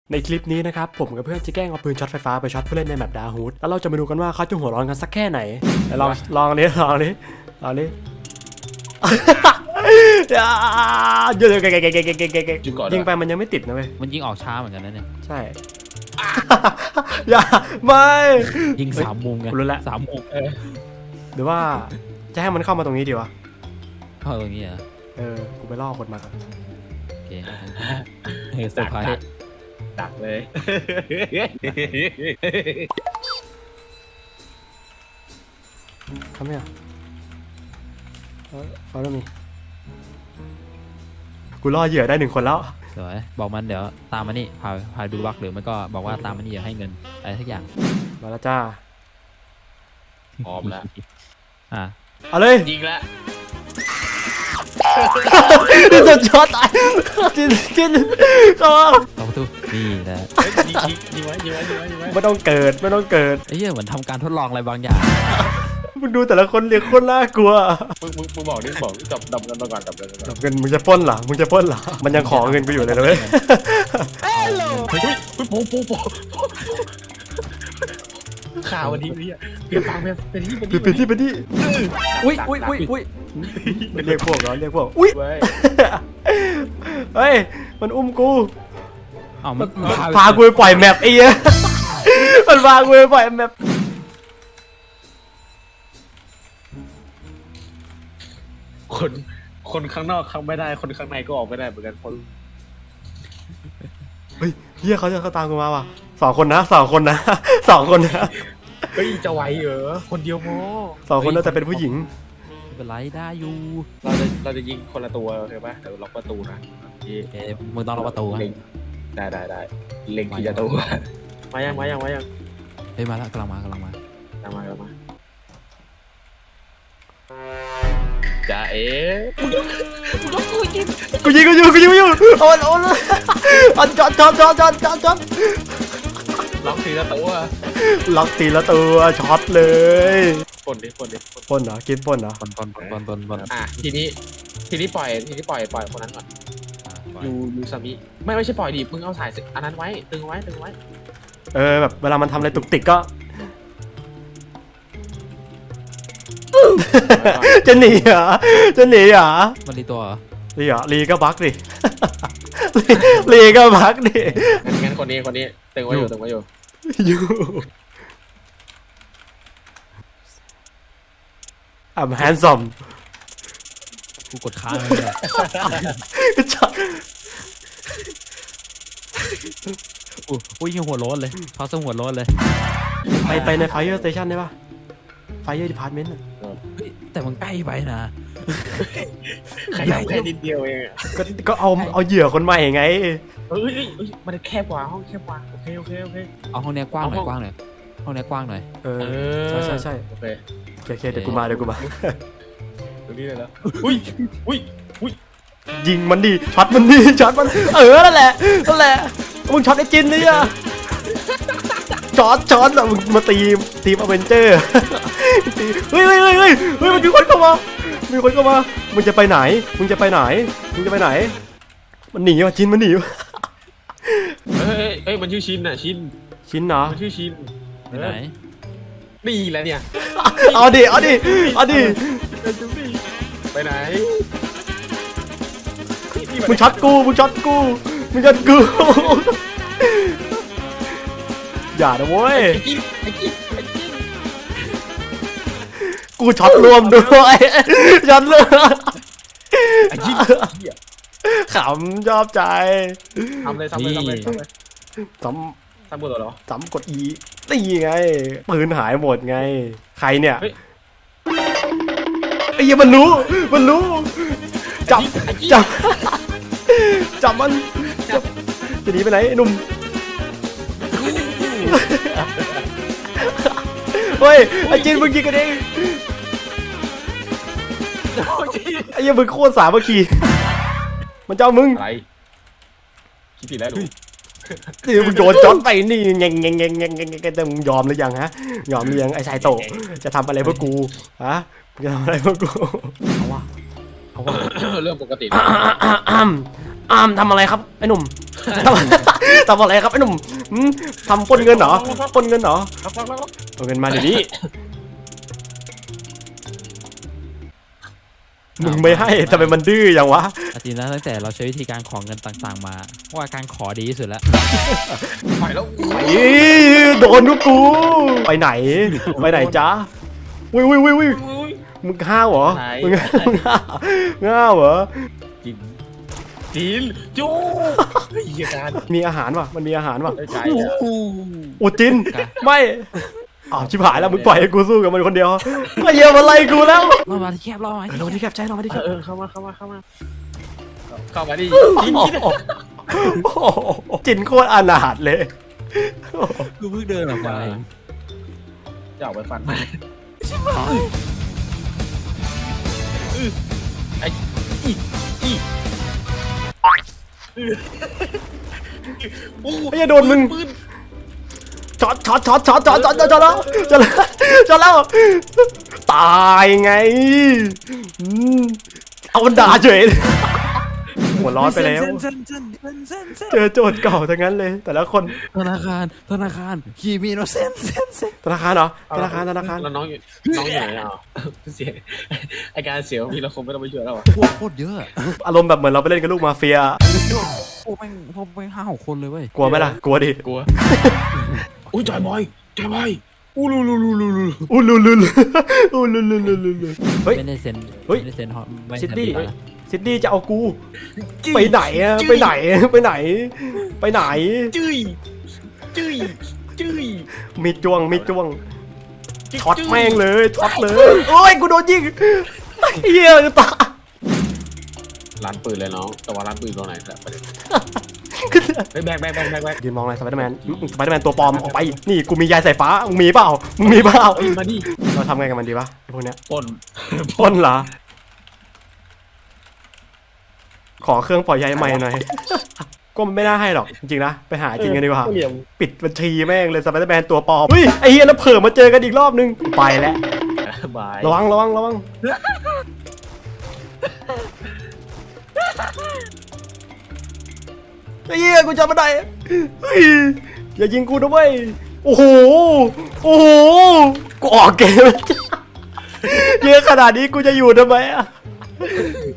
ในคลิปนี้นะครับผมกับเพื่อนจะแกล้งเอาปืนช็อตไฟฟ้าไปช็อตผู้เล่นในแมปดาฮูดแล้วเราจะมาดูกันว่าเขาจะหัวร้อนกันสักแค่ไหนลองนี้ยิงไปมันยังไม่ติดนะเว้ยมันยิงออกช้าเหมือนกันนะเนี่ยใช่อย่าไม่ยิง3 มุมไงรู้แล้ว 3 มุมหรือว่าจะให้มันเข้ามาตรงนี้ดีวะเข้าตรงนี้เหรอกูไปล่อคนมาก่อนโอเคเซอร์ไพรส์ดักเลยทำไมอ่ะเขาต้องมีกูล่อเหยื่อได้1 คนแล้วสวยบอกมันเดี๋ยวตามมานี่พาดูบักหรือไม่ก็บอกว่าตามมานี่อย่าให้เงินอะไรทุกอย่างมาแล้วจ้าพร้อมแล้วเอาเลยยิงแล้วจะช็อตตายกินเข้าประตูนี่นะยิงไว้ไม่ต้องเกิดไอ้เหี้ยเหมือนทำการทดลองอะไรบางอย่างมึงดูแต่ละคนเรียกคนน่ากลัวมึงบอกดับเงินมาก่อนดับเงินมึงจะปล้นเหรอมันยังขอเงินกูอยู่เลยนะเว้ยเฮ้ยโปข่าววันนี้เปลี่ยนฟังเป็นที่อุ้ยเรียกพวกอุ้ยเฮ้ยมันอุ้มกูมันพากูไปปล่อยแมปไอ้เหี้ยมันพากูไปปล่อยแมปคนข้างนอกเข้าไม่ได้คนข้างในก็ออกไม่ได้เหมือนกันคนเฮ้ยเฮียเขาตามกูมาว่ะ2 คนนะเฮ้ยจะไหวเหรอคนเดียวพอ 2 คนน่าจะเป็นผู้หญิงไม่เป็นไรได้อยู่เราจะยิงคนละตัวใช่ปะเดี๋ยวล็อกประตูนะมึงต้องล็อกประตูได้เล็งที่จะตัวมายังเฮ้ยมาแล้วกำลังมาจ่ากูยิงอยู่เอาจอดล็อกทีละตัวช็อตเลยปนเหรอกินปนเหรอปนทีนี้ปล่อยคนนั้นก่อนยูซามิไม่ใช่ปล่อยดิมึงเอาสายอันนั้นไว้ตึงไว้แบบเวลามันทำอะไรตุกติกก็จะหนีเหรอมันรีตัวเหรอรีก็บั๊กดิรีก็บั๊กดิงั้นคนนี้ตึงไว้อยู่ I'm handsome กูกดค้างเลยอุ้ยหัวโล้นเลยพาสหัวโล้นเลยไปใน Fire Station ได้ปะ Fire Department แต่มันใกล้ไปนะขยับแค่นิดเดียวเองก็เอาเหยื่อคนใหม่ไงมันแคบกว่าห้องแคบกว่าโอเคเอาห้องนี้กว้างหน่อยห้องนี้กว้างหน่อยใช่โอเคเดี๋ยวกูมาตรงนี้เลยแล้วอุ้ยยิงมันดิช็อตมันนั่นแหละมึงช็อตไอ้จินนี่อะช็อตอะมึงมาตีทีมอเวนเจอร์เฮ้ยมันมีคนเข้ามามึงจะไปไหนมันหนีว่ะจินมันหนีเฮ้ยมันชื่อชินน่ะชินเหรอมันชื่อชินไปไหนนี่แหละเนี่ยเอาดิไปไหนมึงช็อตกูอย่านะเว้ยกูช็อตรวมด้วยช็อตเลยขำชอบใจทำเลยซ้ำกดเหรอซ้ำกดอีตีไงปืนหายหมดไงใครเนี่ยไอ้เหี้ยมันรู้จับมันจะหนีไปไหนไอ้หนุ่มเฮ้ยไอ้จินมึงยิงกันเองไอ้เหี้ยมึงโคตรสามัคคีมันเจ้ามึงอะไรคิดผิดแล้วนี่มึงโดนจอดไปนี่แงจะมึงยอมหรือยังฮะยอมหรือยังไอ้ชายโตจะทำอะไรเพื่อกูฮะจะทำอะไรเพื่อกูเอาเขาว่าเรื่องปกติทำอะไรครับไอ้หนุ่มทำอะไรครับไอ้หนุ่มทำปล้นเงินเหรอปล้นเงินเหรอเอาเงินมาเดี๋ยวนี้มึงไม่ให้ทำไมมันดื้ออย่างวะจริงนะตั้งแต่เราใช้วิธีการขอเงินต่างๆมาว่าการขอดีที่สุดแล้วปล่อยแล้วโดนกูไปไหนจ๊ะวิมึงห้าวเหรอมึงห้าวเหรอจีนจู้เฮียการมีอาหารวะมันมีอาหารวะใจอุจินไม่อ้าวชิบหายแล้วมึงปล่อยให้กูสู้กับมันคนเดียวไอ้เหี้ยมันไล่กูแล้วเรามาที่แคบเรามาเราที่แคบใจเรามาที่แคบเข้ามาดิจีนจินโคตรอนาถเลยกูเพิ่งเดินออกมาจะออกไปฟันมาไอ้โอ้ไอ้เหี้ยโดนมึงช็อตแล้วตายไงเอามันด่าเฉยหัวร้อนไปแล้วเจอโจทย์เก่าทั้งนั้นเลยแต่ละคนธนาคารคีมีโนเซนธนาคารเหรอธนาคารแล้วน้องอยู่ไหนอ่ะเสียไอการเสียวพี่เราคงไม่ต้องไปช่วยแล้วอ่ะพวกโคตรเยอะอารมณ์แบบเหมือนเราไปเล่นกับลูกมาเฟียพวกแม่ง5-6 คนเลยเว้ยกลัวไหมล่ะกลัวดิกลัวอุ้ยจอยบอยอู้ลูอู้ลุลุเฮ้ยไม่ได้เซ็นเฮ้ยไม่ได้เซ็นไม่ซิดดี้เซ็นซิดดี้จะเอากูไปไหนอะไปไหนจื้ยมีจ้วงช็อตแม่งเลยช็อตเลยโอ้ยกูโดนยิงเหี้ยตาร้านปืนเลยน้องแต่ว่าร้านปืนตรงไหนแหละประเด็นแบกยืนมองอะไรสไปเดอร์แมนตัวปลอมออกไปนี่กูมียายสายฟ้ามึงมีเปล่ามาดิเราทำไงกับมันดีวะพวกเนี้ยปนเหรอขอเครื่องปล่อยใยใหม่หน่อยก็มันไม่น่าให้หรอกจริงๆนะไปหาจริงกันดีกว่าปิดบัญชีแม่งเลยสไปเดอร์แมนตัวปลอมเฮ้ยไอ้เหี้ยแล้วเผื่อมาเจอกันอีกรอบนึงไปแล้วบายระวังไอ้เหี้ยกูจำไม่ได้เฮ้ยอย่ายิงกูนะเว้ยโอ้โหกูออกเกมเยอะขนาดนี้กูจะอยู่ทำไมอะ